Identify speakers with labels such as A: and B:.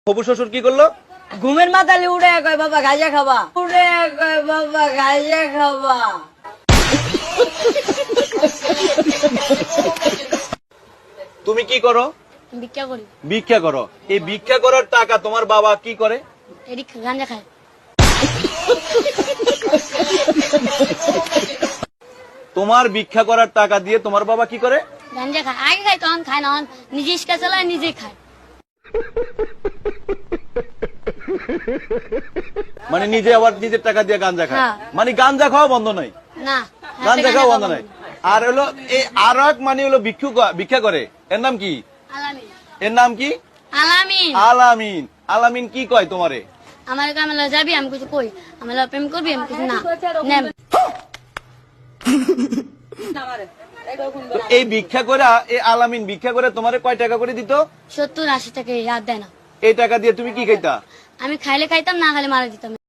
A: হবু শ্বশুর কি করলো?
B: ঘুমের মাথালে উড়ে কয় বাবা গাঁজা খাবা, উড়ে কয় বাবা গাঁজা খাবা।
A: তুমি কি করো?
B: ভিক্ষা করি।
A: ভিক্ষা করো। এই ভিক্ষা করার টাকা তোমার বাবা কি করে?
B: এদিক গাঁজা খায়।
A: তোমার ভিক্ষা করার টাকা দিয়ে তোমার বাবা কি করে?
B: গাঁজা খায়। আগে খায়, তখন খায় না, নিজে ইস্কা চালায়, নিজে খায়।
A: মানে নিজে আবার নিজের টাকা দিয়ে গাঞ্জা খায়।
B: হ্যাঁ।
A: মানে গাঞ্জা খাওয়া বন্ধ নাই,
B: না,
A: গাঞ্জা খাওয়া বন্ধ নাই। আর হলো এই আর এক মানে হলো ভিক্ষা করে, এর নাম কি?
B: আলামিন।
A: এর নাম কি?
B: আলামিন।
A: আলামিন। আলামিন কি কয় তোমারে?
B: আমার কামলা যাবি, আমি কিছু কই, আমার প্রেম করবি, আমি কিছু না নেম।
A: তো এই ভিক্ষা করে, এই আলামিন ভিক্ষা করে তোমারে কয় টাকা করে দিত?
B: 70-80 টাকা ইয়াদ দেয় না।
A: এই টাকা দিয়ে তুমি কি খাইতা?
B: আমি খাইলে খাইতাম, না খাইলে মারা দিতাম।